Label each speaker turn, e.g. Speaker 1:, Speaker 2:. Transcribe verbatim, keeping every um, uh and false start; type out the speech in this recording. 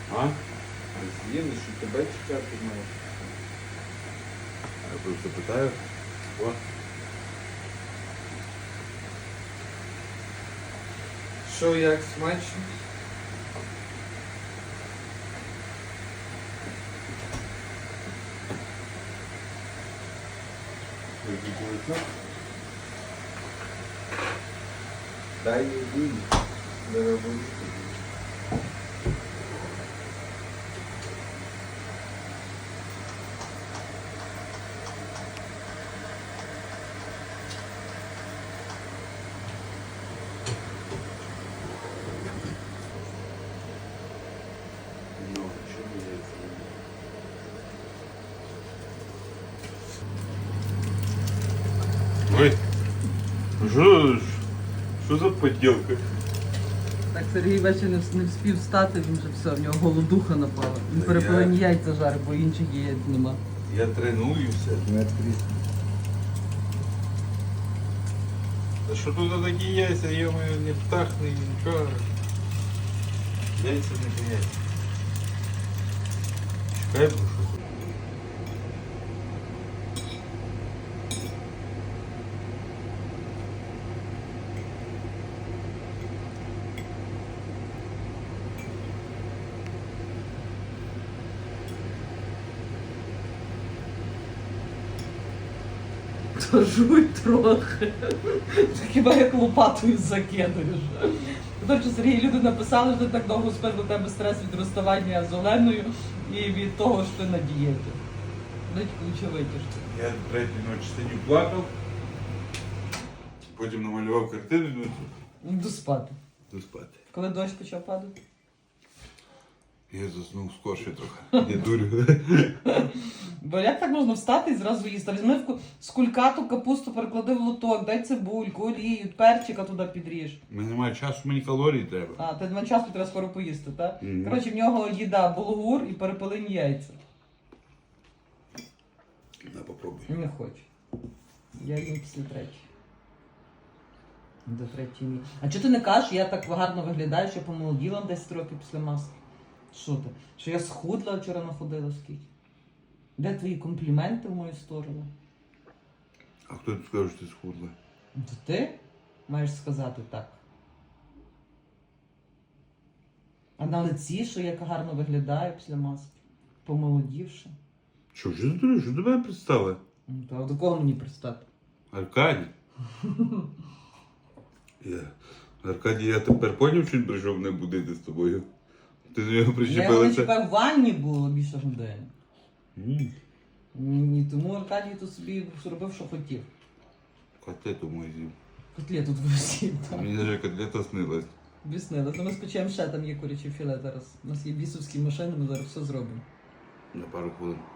Speaker 1: А?
Speaker 2: З'їли, що тебе чекати має.
Speaker 1: Я просто питаю. О.
Speaker 2: Що, як смачно? Дай їй дорогу.
Speaker 1: Ну, що мені це? Ой, що, що за поділка?
Speaker 3: Так Сергій ввечері не, вс- не вспів встати, він вже все, в нього голодуха напала. Він
Speaker 1: Та
Speaker 3: перепилені яйця жарить, бо інших яєць нема.
Speaker 1: Я тренуюся.
Speaker 2: Не тріс.
Speaker 1: Та що тут такі яйця, я не птахне, нічого. Яйця не яйця. Чекай, бо що тут.
Speaker 3: То жуй трохи. Хіба як лопатою закидаєш. Тому що Сергій люди написали, що ти так довго спив, до тебе стрес від розставання з Оленою і від того, що ти на дієті. Дайте ключове витяжки.
Speaker 1: Я третю ночі сидів, плакав. Потім намалював картину, ну,
Speaker 3: Йду спати.
Speaker 1: до спати.
Speaker 3: Коли дощ почав падати?
Speaker 1: Я заснув скорше трохи. Я дурю.
Speaker 3: Бо як так можна встати і зразу їсти? Візьми в ку- з кулькату капусту, переклади в лоток, дай цибульку, олію, перчика туди підріж.
Speaker 1: У мене немає часу, мені калорій треба.
Speaker 3: А, ти на часу треба скоро поїсти, так?
Speaker 1: Мгм.
Speaker 3: Коротше, в нього їда булгур і перепелині яйця.
Speaker 1: На, попробуй.
Speaker 3: Не хочу. Я їм після третьої. До третьої ні. А чого ти не кажеш, я так гарно виглядаю, що помолоділа на десять років після маски? Що ти? Що я схудла вчора находила скільки? Де твої компліменти в мою сторону?
Speaker 1: А хто тут скаже, що ти схудла?
Speaker 3: То ти маєш сказати так. А на лиці, що я гарно виглядаю після маски, помолодівши.
Speaker 1: Що, що ти дуриш? Що до мене представила?
Speaker 3: Ну, то до кого мені пристати?
Speaker 1: Аркадій. Я... Аркадій, я тепер поняв, що він прийшов мене будити з тобою. Ти до нього
Speaker 3: Я його не
Speaker 1: причепилася.
Speaker 3: чекав, в ванні було більше години.
Speaker 1: М,
Speaker 3: Ні, тому Аркадій тут собі зробив, що хотів.
Speaker 1: Котлету мою з'їв.
Speaker 3: Котлету твою сів там.
Speaker 1: Мені навіть котлета снилась.
Speaker 3: Об'яснила. Ну ми спечемо ще, там є курячий філе зараз. У нас є бісовські машини, ми зараз все зробимо.
Speaker 1: На пару хвилин.